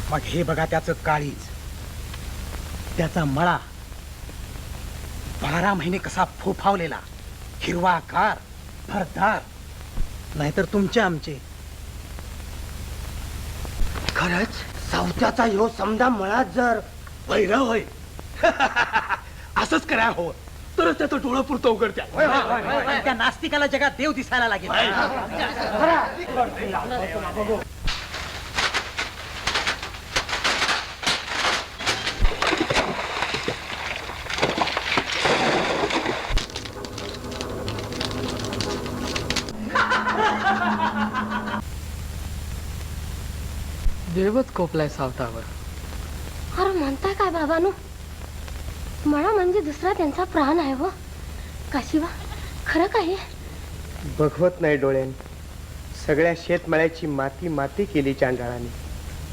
मग हे बघा त्याचं काळीज, त्याचा मळा 12 महिने कसा फोफावलेला, हिरवागार, भरदार. नाहीतर तुमचे आमचे. खरंच सावत्याचा ह्यो समजा मळा जर वैरा होय. असंच करा हो, तरच त्याचं डोळं पुरतं उघडत्या. त्या नास्तिकाला जगात देव दिसायला लागेल. देवच कोपलाय सावतावर. अरे म्हणताय काय बाबानो? मळा म्हणजे दुसरा त्यांचा प्राण आहे व काशिवा, खरं काय? बघवत नाही डोळ्याने. सगळ्या शेतमळ्याची माती माती केली चांडाळाने.